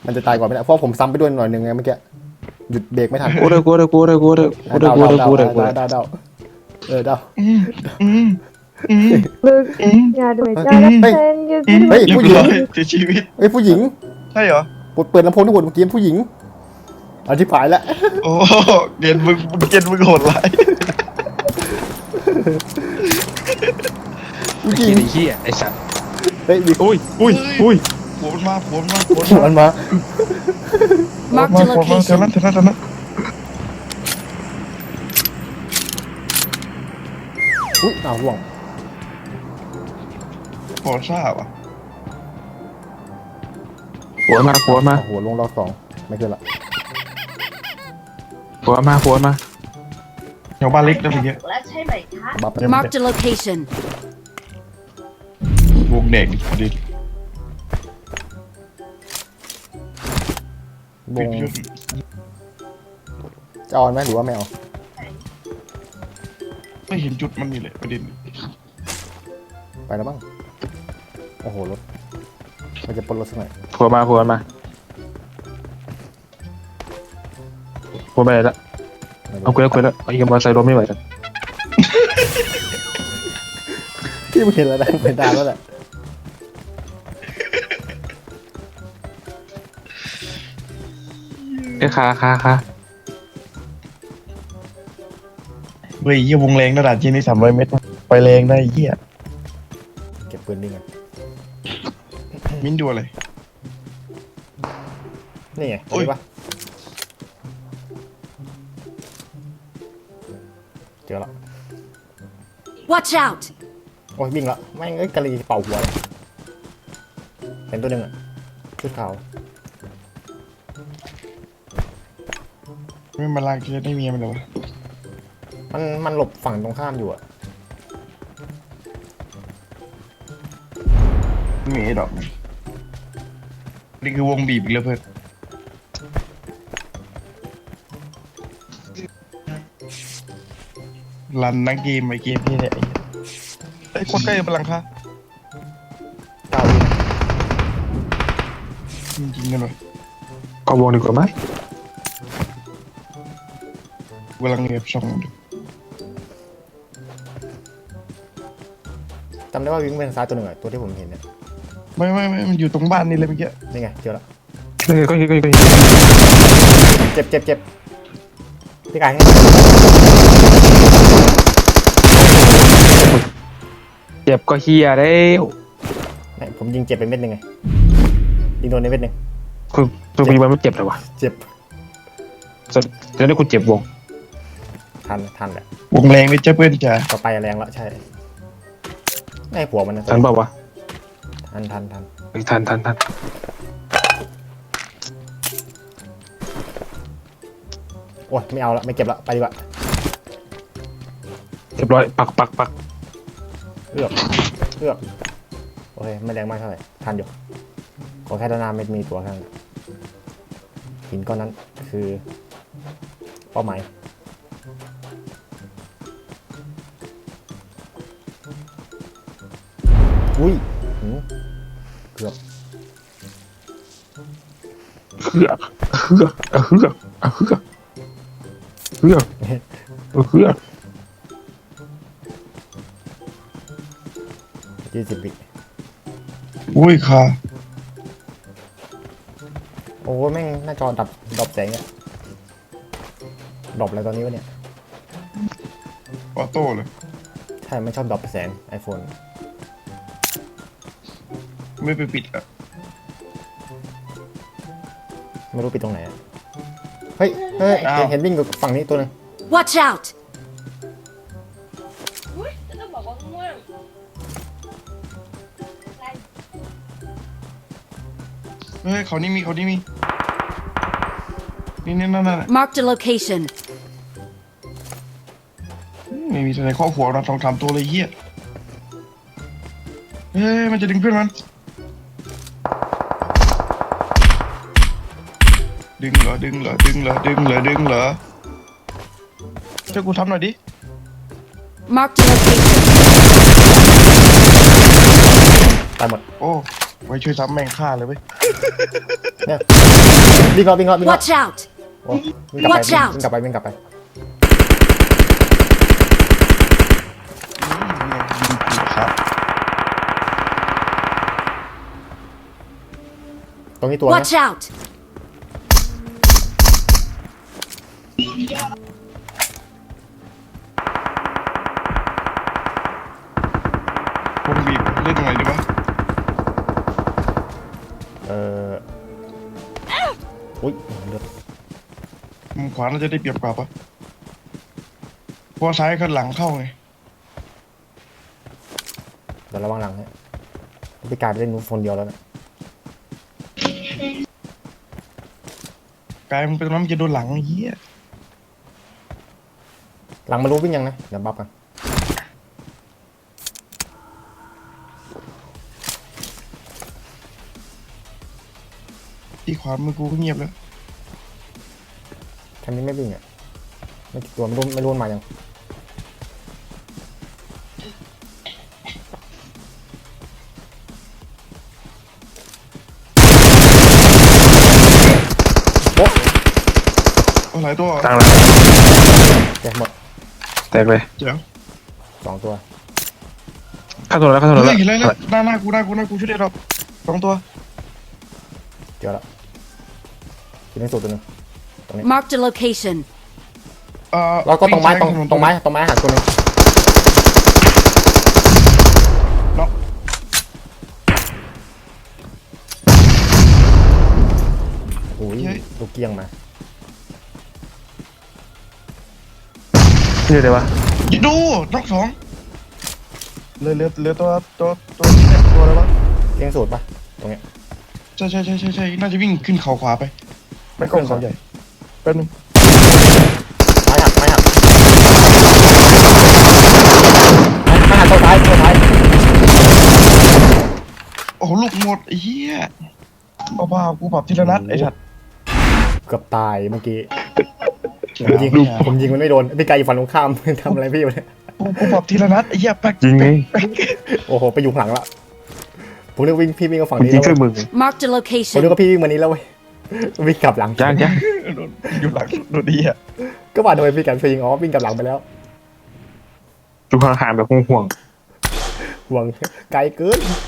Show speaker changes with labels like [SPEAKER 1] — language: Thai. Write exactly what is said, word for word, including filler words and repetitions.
[SPEAKER 1] มันจะตายก่อนไม่ได้เพราะผมซ้ำไปด้วยหน่อยหนึ่งไงเมื่อกี้หยุดเบรกไม่ทัน
[SPEAKER 2] กูเด้อกูเด้อกูเด้อกูเด้อกูเด้อกูเด้อกูเด้อกูเด้อ
[SPEAKER 1] เดาเดาเออเดา
[SPEAKER 3] อืมอืมอืม
[SPEAKER 4] ลึก
[SPEAKER 3] อืม
[SPEAKER 4] อย่าด้วยใจและแฟนยืด
[SPEAKER 3] อืม
[SPEAKER 1] เฮ้ยผู้หญิง
[SPEAKER 3] เรียบร้อยเสียชีวิต
[SPEAKER 1] เฮ้ยผู้หญิง
[SPEAKER 3] ใช่เหรอ
[SPEAKER 1] เปิดเปิดลำโพงทั้งหมดเมื่อกี้ผู้หญิงอธิบายแล้ว
[SPEAKER 3] โอ้เกณฑ์มึงเกณฑ์มึงโหดร้าย
[SPEAKER 1] ผู้ห
[SPEAKER 2] ไอ้
[SPEAKER 1] ญิง
[SPEAKER 2] เหี้ยไอ้สัตว์
[SPEAKER 1] เฮ้ย
[SPEAKER 2] อุ้ยอุ้ยอุ้ย
[SPEAKER 3] หัวมันมาหัวมันมาหัวมัน
[SPEAKER 1] มัน
[SPEAKER 3] มา
[SPEAKER 1] มา
[SPEAKER 5] Marked
[SPEAKER 3] หั
[SPEAKER 5] a
[SPEAKER 3] วมันมาเท่า
[SPEAKER 5] location.
[SPEAKER 3] นั้นเท่านั้นเท่านั้น
[SPEAKER 1] อุ้ยอ้าวร่วง
[SPEAKER 3] พอทราบอ่ะ
[SPEAKER 2] หัวมาหัวมา
[SPEAKER 1] โอ้โหลงรอบสองไม่เกินละ
[SPEAKER 2] หัวมาหัวมา
[SPEAKER 3] แถวบ้านเล็กนะเมื่อกี้
[SPEAKER 6] แล้วใช่ไหมคะ
[SPEAKER 1] บัฟ
[SPEAKER 5] Marked a location.
[SPEAKER 3] วงแดงดิ
[SPEAKER 1] วงจะออนไหมหรือว่าไม่เอา
[SPEAKER 3] ไม่เห็นจุดมันนี่แหละประเด็น
[SPEAKER 1] ไปแล้วบ้างโอ้โหรถมันจะปนรถสักหน่อย
[SPEAKER 2] หัวมาหัวมาหัวไปแล้วเอาคุยแล้วคุยแล้วไอ้ยังมาใส่รถไม่ไหวแล้ว
[SPEAKER 1] ที่มึงเห็นแล้วนะเป็นดาวแล้วแหละ
[SPEAKER 2] ไอ้คาคาคา
[SPEAKER 3] เฮ้ยเยี่ยวงแรงระดับที่นี่สามร้อยเมตรไปแรงได้เยี่ย
[SPEAKER 1] เก็บปืนนี่ไง
[SPEAKER 3] มิ้นดูอะไร
[SPEAKER 1] นี่ไง
[SPEAKER 3] โอ้ย
[SPEAKER 1] เห็นปะเจอละ
[SPEAKER 5] Watch out!
[SPEAKER 1] โอ้ยวิ่งละแม่งเอ้ยกะลีเป่าหัวเลยเห็นตัวหนึ่งอ่ะชุดขาว
[SPEAKER 3] ไม่มาลากเคสได้เมียมันเหรอวะ
[SPEAKER 1] มันมันหลบฝั่งตรงข้ามอยู่อ่ะ
[SPEAKER 3] ไม่มีดอกนี่คือวงบีบอีกแล้วเพื่อนรันนักเกมไอเกมพี่เนี่ยไอ้โคตรใกล้พลังค่ะ
[SPEAKER 1] เก้าวิ
[SPEAKER 3] จริงๆกันเลย
[SPEAKER 2] ก็วงดีกว่าไหม
[SPEAKER 3] กำลังเงียบช่องดู
[SPEAKER 1] จำได้ว่าวิ่งไปทางซ้ายตัวหนึ่งอ่ะตัวที่ผมเห็นเนี่ย
[SPEAKER 3] ไม่ไม่ไม่มันอยู่ตรงบ้านนี่เลยเมื่อกี้
[SPEAKER 1] นี่ไงเจอละ
[SPEAKER 2] เฮ้ยก็เฮ้ยก็เฮ้ย
[SPEAKER 1] เจ็บเจ็บเจ็บพี่กายให้
[SPEAKER 2] เจ็บก็เฮียแล้ว
[SPEAKER 1] เนี่ยผมยิงเจ็บไปเม็ดหนึ่งไงยิงโดนในเม็ดหนึ่ง
[SPEAKER 2] คือตัวมีมันไม่เจ็บเลยวะ
[SPEAKER 1] เจ็บ
[SPEAKER 2] จะได้คุณเจ็บวง
[SPEAKER 1] ทันทันแหละ
[SPEAKER 3] วงแรงไม่เจ้าเพื่อนจ้ะ
[SPEAKER 1] ต่อไปแรงละใช่ไอ้หัวมันนะ
[SPEAKER 2] ทันเปล่าวะ
[SPEAKER 1] ทันทันทัน
[SPEAKER 2] เฮ้ยทันทันทัน
[SPEAKER 1] โอ้ยไม่เอาละไม่เก็บละไปดีกว่า
[SPEAKER 2] เรียบร้อยปักปักปัก
[SPEAKER 1] เอือกเอือกโอเคไม่แรงมากเท่าไหร่ทันอยู่ขอแค่ด้านหน้าไม่มีตัวข้างหินก้อนนั้นคือเป้าหมายอุ้ยหืมเกือบ
[SPEAKER 2] เฮือกเฮือกเฮือกเฮือกเฮือกเฮือก
[SPEAKER 1] ยี่สิบวิ
[SPEAKER 3] อุ้ยค่ะ
[SPEAKER 1] โอ้แม่งหน้าจอดับดับแสงเนี่ยดับอะไรตอนนี้วะเนี่ย
[SPEAKER 3] ออโต้เลย
[SPEAKER 1] ใช่ไม่ชอบดับแสง iPhone
[SPEAKER 3] ไม่ไปปิดอ่ะ
[SPEAKER 1] ไม่รู้ปิดตรงไหนอะเฮ้ยเฮ้ย
[SPEAKER 3] อ้าว
[SPEAKER 1] เห็นเห็นวิ่งอยู่ฝั่งนี้ตัวหนึง
[SPEAKER 5] Watch out!
[SPEAKER 6] อุ้ยจะต้องบอกว่าง่วง
[SPEAKER 3] เฮ้ยเขานี่มีเขานี่มีนี่นี่นั่นนั่น
[SPEAKER 5] Marked a location.
[SPEAKER 3] ไม่มีอะไรข้อหัวเราทองคำตัวเลยเหี้ยเฮ้ยมันจะดึงเพื่อนมันดึงเหรอดึงเหรอดึงเหรอดึงเหรอดึงเหรอช่วยกูทำหน่อยดิ
[SPEAKER 5] Marked a location.
[SPEAKER 1] ตายหมด
[SPEAKER 3] โอ้ไว้ช่วยซ้ำแม่งฆ่าเลยเว้ย
[SPEAKER 1] เนี่ยวิ่งรอบวิ่งรอบวิ่งรอบ
[SPEAKER 5] Watch out!
[SPEAKER 1] โอ้วิ่งกลับไป
[SPEAKER 5] Watch out
[SPEAKER 1] วิ่งกลับไปวิ่งกลับไป
[SPEAKER 3] ยิงผิดครับ
[SPEAKER 1] ตรงนี้ตัวนะ
[SPEAKER 5] Watch out!
[SPEAKER 3] วงบีบเล่นยังไงดีวะ
[SPEAKER 1] เอออุ้ยเลือด
[SPEAKER 3] มุมขวาเราจะได้เปรียบกว่าปะเพราะซ้ายข้างหลังเข้าไง
[SPEAKER 1] เดี๋ยวระวังหลังฮะพี่กายไปเล่นนู้นคนเดียวแล้วนะ
[SPEAKER 3] กายมันเป็นน้ำจะโดนหลังไอ้เหี้ย
[SPEAKER 1] หลังมารู้วิ่งยังนะเดี๋ยวบัฟกัน
[SPEAKER 3] ที่ขวามือกูก็เงียบแล้ว
[SPEAKER 1] ทำนี้ไม่วิ่งอ่ะไม่กี่ตัวไม่รู้ไม่รู้มันมายังโอ้
[SPEAKER 3] เอาหลายตัว
[SPEAKER 2] ตั้งแล้ว
[SPEAKER 1] แกหมด
[SPEAKER 2] แตกเลย
[SPEAKER 3] เจ๋ง
[SPEAKER 1] สองตัว
[SPEAKER 2] เข้าตัวแล้วเข้าตัว
[SPEAKER 3] เฮ้
[SPEAKER 2] แล้ว
[SPEAKER 3] ยเห็นแล้วแล้วหน้าหน้ากูหน้ากูหน้ากูช่วยได้หรอกสองตัว
[SPEAKER 1] เจอแล้วอยู่ในสุดตัวหนึง
[SPEAKER 5] Marked a location.
[SPEAKER 3] เอ่อ
[SPEAKER 1] แล้วก็ตรงไม้ตรง
[SPEAKER 3] วิ่ซ้าย
[SPEAKER 1] ตรงไม้ตรงไม้หักตัวหนึง
[SPEAKER 3] น็อก
[SPEAKER 1] โอ้ยลูกเกี้ยงมา
[SPEAKER 2] ชื่ออะไรวะ
[SPEAKER 3] ยิงดูน็อกสองเหลือเหลือเหลือตัวตัวตัวเนี่ยตัวอะไรวะ
[SPEAKER 1] เกี้ยงสุดปะตรงเนี้ย
[SPEAKER 3] ใช่ใช่ใช่ใช่ใช่น่าจะวิ่งขึ้นเขาขวาไปไม่ก็เขาใหญ่แป๊บนึง
[SPEAKER 1] ไม้หักไม้หักไม้หักตัวท้ายตัวท้าย
[SPEAKER 3] โอ้โหลูกหมดไอ้เหี้ยเอาบ้ากูปรับทีละนัดไอ้สัตว์
[SPEAKER 1] เกือบตายเมื่อกี้ผมยิงผมยิงมันไม่โดนพี่กายอยู่ฝั่งตรงข้าม ทำอะไรพี่วะเนี่ย
[SPEAKER 3] กูกูปรับทีละนัดไอ้เหี้ยแป๊ก
[SPEAKER 2] จริงไง
[SPEAKER 1] โอ้โหไปอยู่ข้างหลังละผมนึกวิ่งพี่วิ่งกับฝั่ง
[SPEAKER 2] ผม
[SPEAKER 1] นี้
[SPEAKER 2] จริง
[SPEAKER 1] แล้ว
[SPEAKER 2] ช่วยมึง
[SPEAKER 5] Marked a
[SPEAKER 1] ผมนึก
[SPEAKER 5] location.
[SPEAKER 1] ว่าพี่วิ่งมานี้แล้วเว้ยวิ่งกลับหลัง
[SPEAKER 2] จ้างจ้าง
[SPEAKER 3] โดนอยู่หลังโดนดีอ่ะ
[SPEAKER 1] ก็ว่าโดยพี่กันไปยิงอ๋อวิ่งกลับหลังไปแล้ว
[SPEAKER 2] ดูห่างๆแบบห่วง
[SPEAKER 1] ห่วงไกลเกิน